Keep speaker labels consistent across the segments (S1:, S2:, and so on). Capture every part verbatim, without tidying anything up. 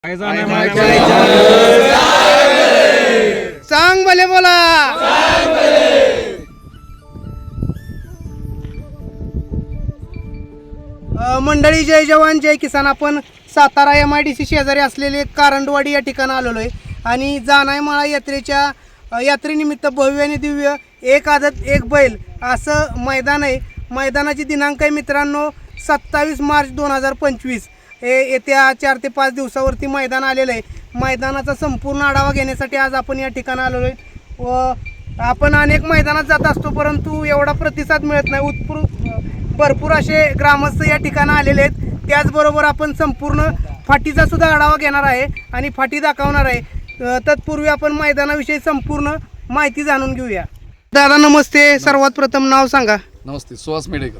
S1: सांग भले बोला. मंडळी, जय जवान जय किसान. आपण Satara M I D C शेजारी असलेले कारंडवाडी या ठिकाणी आलेलो आहे आणि जानाईमाळा यात्रेच्या यात्रेनिमित्त भव्य आणि दिव्य एक आदत एक बैल असं मैदान आहे. मैदानाची दिनांक आहे मित्रांनो सत्तावीस मार्च दोन हजार पंचवीस. हे येत्या चार ते पाच दिवसावरती मैदान आलेलं आहे. मैदानाचा संपूर्ण आढावा घेण्यासाठी आज आपण या ठिकाणी आलेलो आहे व आपण अनेक मैदानात जात असतो परंतु एवढा प्रतिसाद मिळत नाही. उत्स्फूर्त भरपूर असे ग्रामस्थ या ठिकाणी आलेले आहेत. त्याचबरोबर आपण संपूर्ण फाटीचा सुद्धा आढावा घेणार आहे आणि फाटी दाखवणार आहे. तत्पूर्वी आपण मैदानाविषयी संपूर्ण माहिती जाणून घेऊया. दादा नमस्ते. सर्वात प्रथम नाव सांगा.
S2: नमस्ते, सुहास मेडेकर.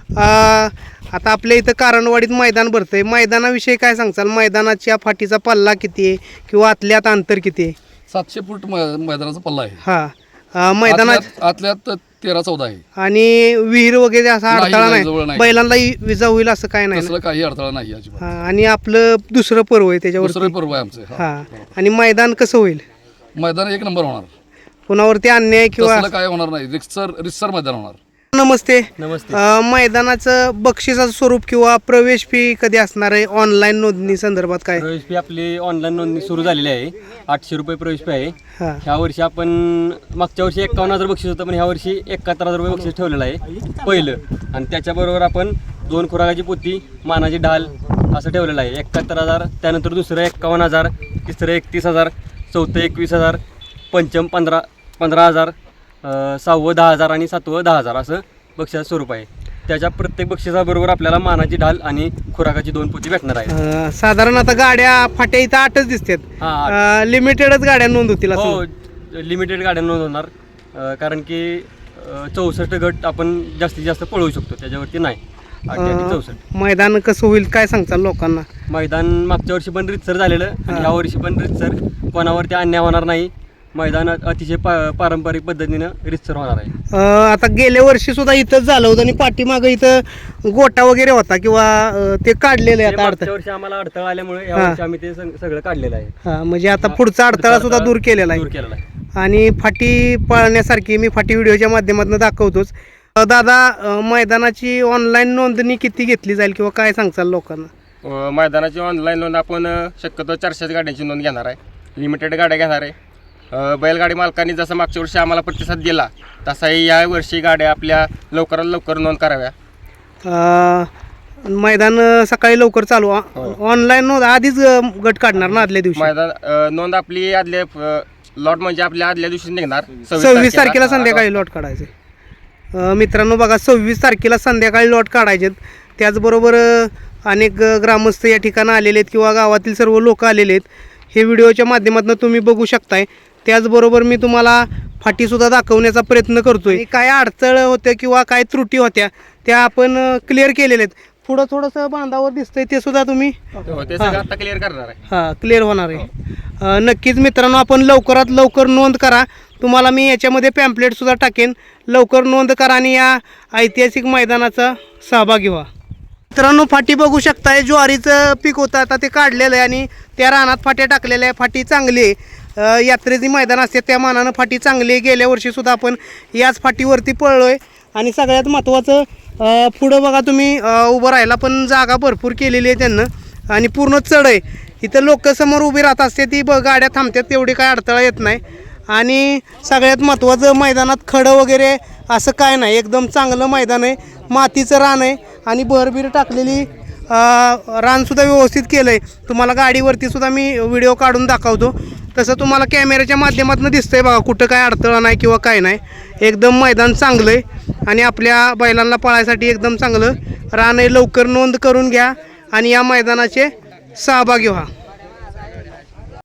S1: आता आपल्या इथं कारंडवाडीत मैदान भरतंय. मैदानाविषयी काय सांगचाल? मैदानाच्या फाटीचा पल्ला किती आहे किंवा आतल्यात अंतर किती आहे?
S2: सातशे फूट मै- मैदानाचा पल्ला आहे.
S1: हा मैदानात
S2: आतल्यात आतल्यात तेरा चौदा आहे.
S1: आणि विहीर वगैरे असा
S2: नाही,
S1: अडथळा
S2: नाही, जवळ
S1: नाही,
S2: नाही.
S1: बैलांना विजा होईल असं काय नाही ना?
S2: तसलं काही अडथळा नाही अजिबात.
S1: हा, आणि आपलं दुसरं पर्व आहे त्याच्यावर.
S2: दुसरं पर्व आहे आमचं. हा.
S1: हा, आणि मैदान कसं होईल?
S2: मैदान एक नंबर होणार.
S1: कुणावरती अन्याय किंवा
S2: तसलं काय होणार नाही. रिक्सर रिक्सर मैदान होणार.
S1: नमस्ते.
S3: नमस्ते.
S1: अ, मैदानाचं बक्षिसाचं स्वरूप किंवा प्रवेश फी कधी असणार आहे? ऑनलाईन नोंदणी संदर्भात काय?
S3: प्रवेश फी आपली ऑनलाईन नोंदणी सुरू झालेली आहे. आठशे रुपये प्रवेश फी आहे.
S1: हा
S3: ह्या वर्षी आपण मागच्या वर्षी एकावन्न हजार बक्षीस होतं पण ह्या वर्षी एकाहत्तर हजार रुपये बक्षीस ठेवलेलं आहे पहिलं. आणि त्याच्याबरोबर आपण दोन खुराकाची पोती, मानाची ढाल असं ठेवलेलं आहे. एकाहत्तर हजार, त्यानंतर दुसरं एक्कावन्न हजार, तिसरं एकतीस हजार, चौथं एकवीस हजार, पंचम पंधरा पंधरा हजार, सहावं दहा हजार आणि सातवं दहा हजार असं बक्षिसाचं स्वरूप आहे. त्याच्या प्रत्येक बक्षिसाबरोबर आपल्याला मानाची ढाल आणि खुराकाची दोन पोती भेटणार आहे.
S1: अ, साधारण आता गाड्या फाट्या इथं आठच दिसतात.
S3: हा,
S1: लिमिटेडच गाड्या नोंद होतील असं?
S3: हो, लिमिटेड गाड्या नोंद होणार. अ, कारण की चौसष्ट गट आपण जास्तीत जास्त पळवू शकतो, त्याच्यावरती नाही.
S1: अ,
S3: चौसष्ट
S1: मैदान कसं होईल काय सांगचाल लोकांना?
S3: मैदान मागच्या वर्षी पण रितसर झालेलं आणि ह्या वर्षी पण रितसर, कोणावरती अन्याय होणार नाही. मैदान अतिशय पा पारंपरिक पद्धतीनं रितसर होणार आहे.
S1: अ, आता गेल्या वर्षी सुद्धा इथंच झालं होतं आणि पाठीमागं इथं गोटा वगैरे होता किंवा अ, ते काढलेलं आहे
S3: ते
S1: आता
S3: मागच्या
S1: अडथळा?
S3: वर्षी आम्हाला अडथळा आल्यामुळे ह्या
S1: हा.
S3: वर्षी आम्ही ते सग- सगळं काढलेलं आहे.
S1: हा, म्हणजे आता पुढचा अडथळा सुद्धा दूर केलेला
S3: दूर
S1: आहे.
S3: केलेला आहे.
S1: आणि फाटी पळण्यासारखी मी फाटी व्हिडिओच्या माध्यमातून दाखवतोच. अ, दादा अ, मैदानाची ऑनलाईन नोंदणी किती घेतली जाईल किंवा काय सांगचाल लोकांना?
S4: अ, मैदानाची ऑनलाईन नोंद आपण अ, शक्यतो चारशेच गाड्यांची नोंद घेणार आहे. लिमिटेड गाड्या घेणार आहे. अ, बैलगाडी मालकांनी जसं मागच्या वर्षी आम्हाला प्रतिसाद दिला तसाही या वर्षी गाड्या आपल्या लवकरात लवकर नोंद कराव्या.
S1: अ, मैदान अ, सकाळी लवकर चालू. ऑनलाईन नोंद आधीच अ, गट काढणार ना आदल्या दिवशी?
S4: मैदान अ, नोंद आपली आदल्या अ, लॉट म्हणजे आपल्या आदल्या दिवशी निघणार
S1: सव्वीस तारखेला संध्याकाळी लॉट काढायचे. अ, मित्रांनो बघा, सव्वीस तारखेला संध्याकाळी लॉट काढायचे. त्याचबरोबर अ, अनेक अ, ग्रामस्थ या ठिकाणी आलेले आहेत किंवा गावातील सर्व लोक आलेले आहेत. हे व्हिडिओच्या माध्यमातून तुम्ही बघू शकताय. त्याचबरोबर मी तुम्हाला फाटीसुद्धा दाखवण्याचा प्रयत्न करतोय. काय अडचण होत्या किंवा काय त्रुटी होत्या त्या आपण क्लिअर केलेल्या आहेत. पुढं थोडंसं बांधावर दिसतंय ते सुद्धा तुम्ही
S4: हो, ते सगळं आता क्लिअर करणार आहे.
S1: हां क्लिअर होणार आहे. अ, नक्कीच मित्रांनो, आपण लवकरात लवकर नोंद करा. तुम्हाला मी याच्यामध्ये पॅम्पलेटसुद्धा टाकेन. लवकर नोंद करा आणि या ऐतिहासिक मैदानाचा सहभागी व्हा. मित्रांनो, फाटी बघू शकताय. ज्वारीचं पीक होतं, आता ते काढलेलं आहे आणि त्या रानात फाट्या टाकलेल्या आहे. फाटी चांगली आहे. अ, यात्रेची मैदान असते त्या मानानं फाटी चांगली आहे. गेल्या वर्षीसुद्धा आपण याच फाटीवरती पळलो आहे. आणि सगळ्यात महत्त्वाचं अ, पुढं बघा तुम्ही अ, उभं राहायला पण जागा भरपूर केलेली आहे त्यांना आणि पूर्ण चढ आहे. इथं लोक समोर उभी राहत असते ती ब गाड्या थांबतात, तेवढी काय अडथळा येत नाही. आणि सगळ्यात महत्त्वाचं मैदानात खडं वगैरे असं काय नाही. एकदम चांगलं मैदान आहे. मातीचं रान आहे आणि बहरबीर टाकलेली रानसुद्धा व्यवस्थित केलं आहे. तुम्हाला गाडीवरती सुद्धा मी व्हिडिओ काढून दाखवतो. तसं तुम्हाला कॅमेऱ्याच्या माध्यमातून दिसतंय बघा, कुठं काय अडथळा नाही किंवा काय नाही. एकदम मैदान चांगलं आहे आणि आपल्या बैलांना पळायसाठी एकदम चांगलं रान आहे. लवकर नोंद करून घ्या आणि या मैदानाचे सहभागी व्हा.